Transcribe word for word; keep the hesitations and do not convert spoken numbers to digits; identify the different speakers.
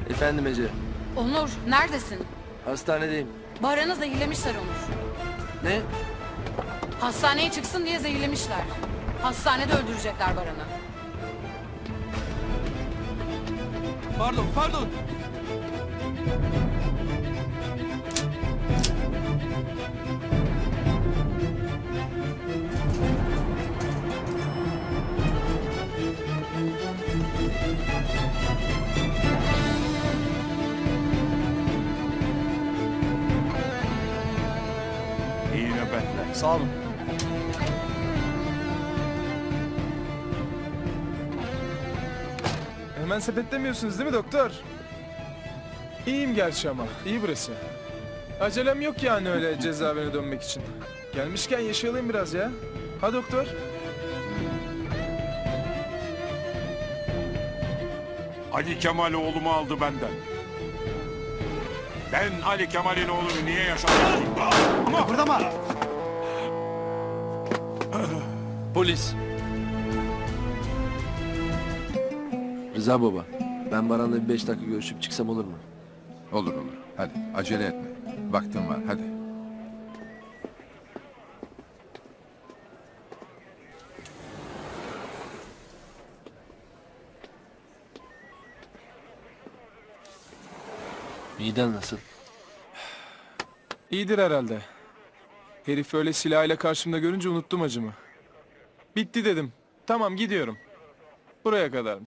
Speaker 1: Efendim Ece.
Speaker 2: Onur, neredesin?
Speaker 1: Hastanedeyim.
Speaker 2: Baran'ı zehirlemişler Onur.
Speaker 1: Ne?
Speaker 2: Hastaneye çıksın diye zehirlemişler. Hastanede öldürecekler Baran'ı.
Speaker 1: Pardon, pardon.
Speaker 3: İyi nöbetler.
Speaker 4: Sağ olun. Hemen sepetlemiyorsunuz değil mi doktor? İyiyim gerçi ama. İyi burası. Acelem yok yani öyle cezaevine dönmek için. Gelmişken yaşayalım biraz ya. Ha doktor?
Speaker 3: Ali Kemal oğlumu aldı benden. Ben Ali Kemal'in oğlunu niye yaşatayım? Ama
Speaker 5: Kıpırdama!
Speaker 1: Polis. Rıza baba. Ben Baran'la bir beş dakika görüşüp çıksam olur mu?
Speaker 6: Olur olur. Hadi acele etme. Vaktim var hadi.
Speaker 1: Miden nasıl?
Speaker 4: İyidir herhalde. Herif öyle silahıyla karşımda görünce unuttum acımı. Bitti dedim. Tamam gidiyorum. Buraya kadarmış.